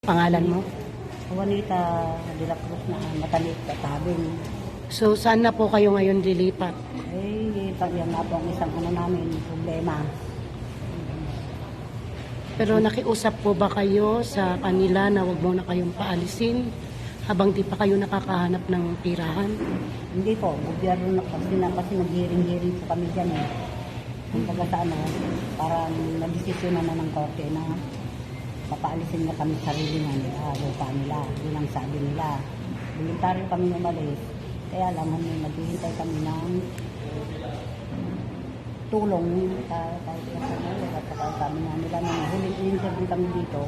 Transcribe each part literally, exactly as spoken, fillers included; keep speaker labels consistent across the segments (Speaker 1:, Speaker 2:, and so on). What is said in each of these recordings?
Speaker 1: Pangalan mo?
Speaker 2: Juanita de la Cruz na matalit katabing.
Speaker 1: So, saan na po kayo ngayon lilipat?
Speaker 2: Eh, yan na po ang isang ano namin, problema.
Speaker 1: Pero nakiusap po ba kayo sa kanila na wag mo na kayong paalisin habang di pa kayo nakakahanap ng tirahan?
Speaker 2: Hindi po, gobyerno na kasi na kasi nag-hearing-hearing po kami dyan eh. Kung taga sa ano, parang nag-desisyon naman ng korte na papaalisin na kami sa sarili ng uh, lupa nila. Yun ang sabi nila. Voluntaryo kami umalis. Kaya lang, naghihintay kami ng tulong kahit sa mga at saka kami na nila nung huling interview kami dito.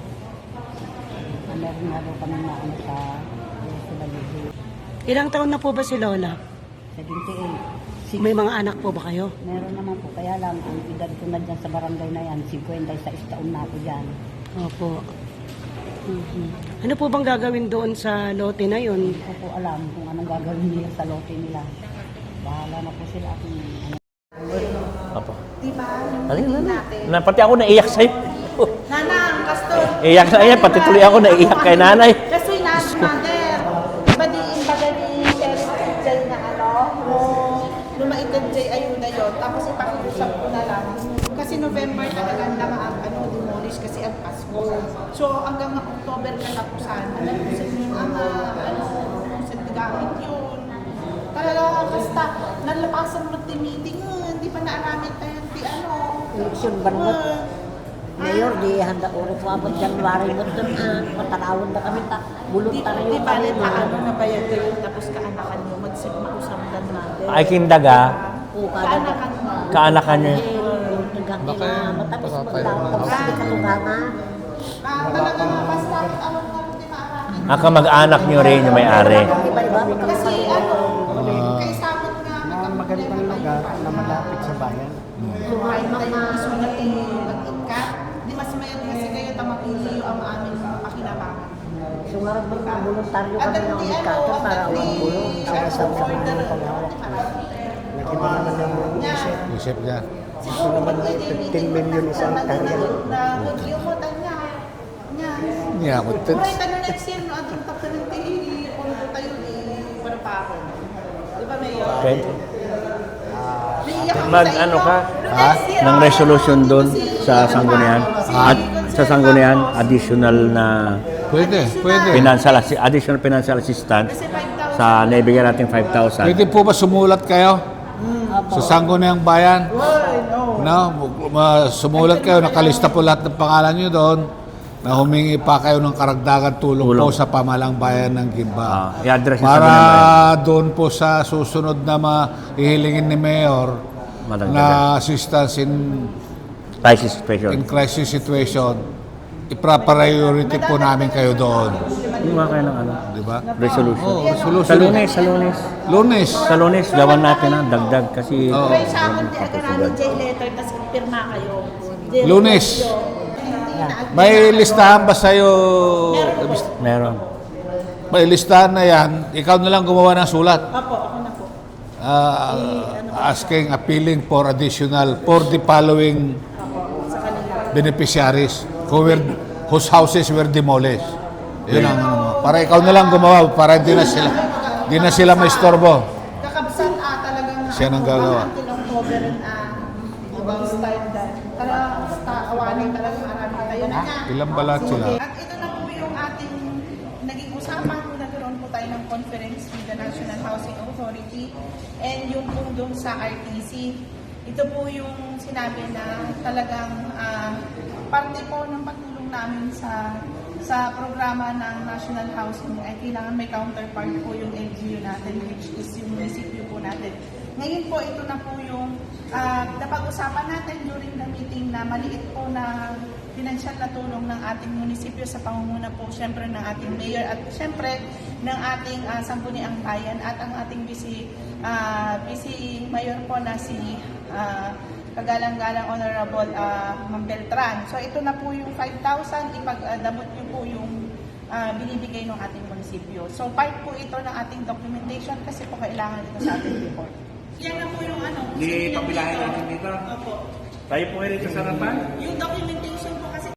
Speaker 2: Uh, meron nga daw kami na ano sa Subaligi.
Speaker 1: Ilang taon na po ba si Lola?
Speaker 2: seventy-eight.
Speaker 1: May mga anak po ba kayo?
Speaker 2: Meron naman po. Kaya lang, ang edad ko na dyan sa barangay na yan, fifty-six taon na ako dyan.
Speaker 1: Opo. Mm-hmm. Ano po bang gagawin doon sa lote na yun?
Speaker 2: Hindi ko po alam kung anong gagawin nila sa lote nila. Bahala na po sila kung ano.
Speaker 3: Apa?
Speaker 4: Diba?
Speaker 3: Alin na na. Pati ako naiyak sa'yo.
Speaker 4: Nanang, Castor.
Speaker 3: Iyak na iyak. Pati tuloy ako naiyak kay nanay.
Speaker 4: Kasi nas, mother. Diba di imbaga ni Sheriff Jay na ano, nung lumaitad Jay ayun na yun. Tapos ipakiusap ko na lang. Kasi November talaga na ang ano, demolish kasi ang Pasko. So hanggang October katapusan. Alam ko sa inyo ang uh, ano, sa gamit yun. Talaga basta nalapasan mo ti meeting, hindi pa naaramit tayo di ano.
Speaker 2: Eleksyon bangot. Mayor, di handa uro po abot January mo doon ah. Matalawon na kami ta. Bulot
Speaker 4: Di,
Speaker 2: tayo
Speaker 4: di ba
Speaker 2: kami
Speaker 4: rin paano na bayad kayo tapos kaanakan mo magsip-mausap na natin.
Speaker 3: Ay kindaga.
Speaker 2: Oo, kada
Speaker 4: Kaanakan mo.
Speaker 3: Kaanakan niya.
Speaker 2: Baka matapos maglaw. Tapos hindi katugangan.
Speaker 4: Ah, talaga basta awang nga rin maaramin.
Speaker 3: Aka mag-anak niyo rin yung may-ari.
Speaker 2: Iba-iba.
Speaker 4: Kasi ano, kay sabot nga
Speaker 5: magandang lugar na malapit sa bayan.
Speaker 4: Kahit tayo isulat yung mag-ikat, di mas mayat kasi kayo tamapili ang aming pakinabangan.
Speaker 2: So nga rin mga voluntaryo
Speaker 4: At
Speaker 2: kami ng
Speaker 4: hindi ano,
Speaker 2: umikato para
Speaker 4: at
Speaker 2: walang bulong.
Speaker 4: hindi
Speaker 2: Sa isang sa mga
Speaker 4: order.
Speaker 2: paghawak.
Speaker 5: Nakiba naman yung isip.
Speaker 6: Isip niya.
Speaker 5: Gusto naman na fifteen million isang hektarya.
Speaker 4: Na mag-iyo mo tanya. Nya.
Speaker 6: Niya,
Speaker 4: Mura
Speaker 6: mutin.
Speaker 4: ito na next year, no? Atong tapos ng tihi, kung tayo ni para pa ako. Di ba, Mayor?
Speaker 3: Okay.
Speaker 4: Naiiyak ako
Speaker 3: Mag
Speaker 4: sa inyo.
Speaker 3: ano ka?
Speaker 4: No, next year,
Speaker 3: Ng
Speaker 4: ah,
Speaker 3: resolution doon sa sanggunian. At sa sanggunian, additional na
Speaker 6: Pwede, pwede.
Speaker 3: financial, assi- additional financial assistance
Speaker 4: Kasi five thousand.
Speaker 3: sa naibigyan natin five thousand.
Speaker 6: Pwede po ba sumulat kayo? Sa Sangguniang Bayan? No, ma- sumulat kayo, nakalista po lahat ng pangalan nyo doon na humingi pa kayo ng karagdagan tulong,
Speaker 3: Tulong.
Speaker 6: po sa pamalang bayan ng Gimba.
Speaker 3: Ah, i-address yung
Speaker 6: Para
Speaker 3: Sangguniang Bayan.
Speaker 6: doon po sa susunod na mahihilingin ni Mayor
Speaker 3: Madagdagan.
Speaker 6: na assistance in,
Speaker 3: Crisis situation.
Speaker 6: in crisis situation, ipra-priority po namin kayo doon.
Speaker 3: Gumawa kayo ng ano?
Speaker 6: Di ba?
Speaker 3: Resolution.
Speaker 6: Oh, resolution.
Speaker 3: Sa lunes, sa lunes.
Speaker 6: Lunes.
Speaker 3: Sa lunes, gawan natin ang dagdag kasi
Speaker 6: Oo.
Speaker 4: Pero sa akin, di agad J letter, tapos pirma kayo. J-
Speaker 6: Lunes.
Speaker 4: Hindi
Speaker 6: May listahan ba sa'yo?
Speaker 3: meron.
Speaker 6: May listahan na yan. Ikaw na lang gumawa ng sulat.
Speaker 4: Opo, ako na po.
Speaker 6: Ah, asking, appealing for additional for the following
Speaker 4: Sa kanila.
Speaker 6: beneficiaries who were, whose houses were demolished. Yun ang ano mo. Para ikaw na lang gumawa para hindi na sila hindi na sila maistorbo.
Speaker 4: Kakabsan ah, talagang
Speaker 6: Siya nang gagawa.
Speaker 4: Until October ah, ibang style dahil. Talagang basta awanin talaga marami tayo na niya.
Speaker 6: Ilang balat sila?
Speaker 4: At ito na po yung ating naging usapan kung nagkaroon po tayo ng conference with the National Housing Authority and yung po doon sa R T C. Ito po yung sinabi na talagang ah, parte po ng pagtulong namin sa sa programa ng National Housing ay kailangan may counterpart po yung L G U natin which is yung munisipyo po natin. Ngayon po ito na po yung uh, napag-usapan natin during the meeting na maliit po na financial na tulong ng ating munisipyo sa pangunguna po syempre ng ating mayor at syempre ng ating uh, Sangguniang Bayan at ang ating vice, uh, vice mayor po na si uh, kagalang-galang Honorable uh, Ma'am Beltran. So ito na po yung five thousand, ipag-damot niyo po yung uh, binibigay ng ating munisipyo. So part po ito ng ating documentation kasi po kailangan ito sa ating report. Yan na po yung ano.
Speaker 3: Di pabilahin natin dito.
Speaker 4: Opo.
Speaker 3: Tayo po ngayon sa sarapan.
Speaker 4: Yung documentation po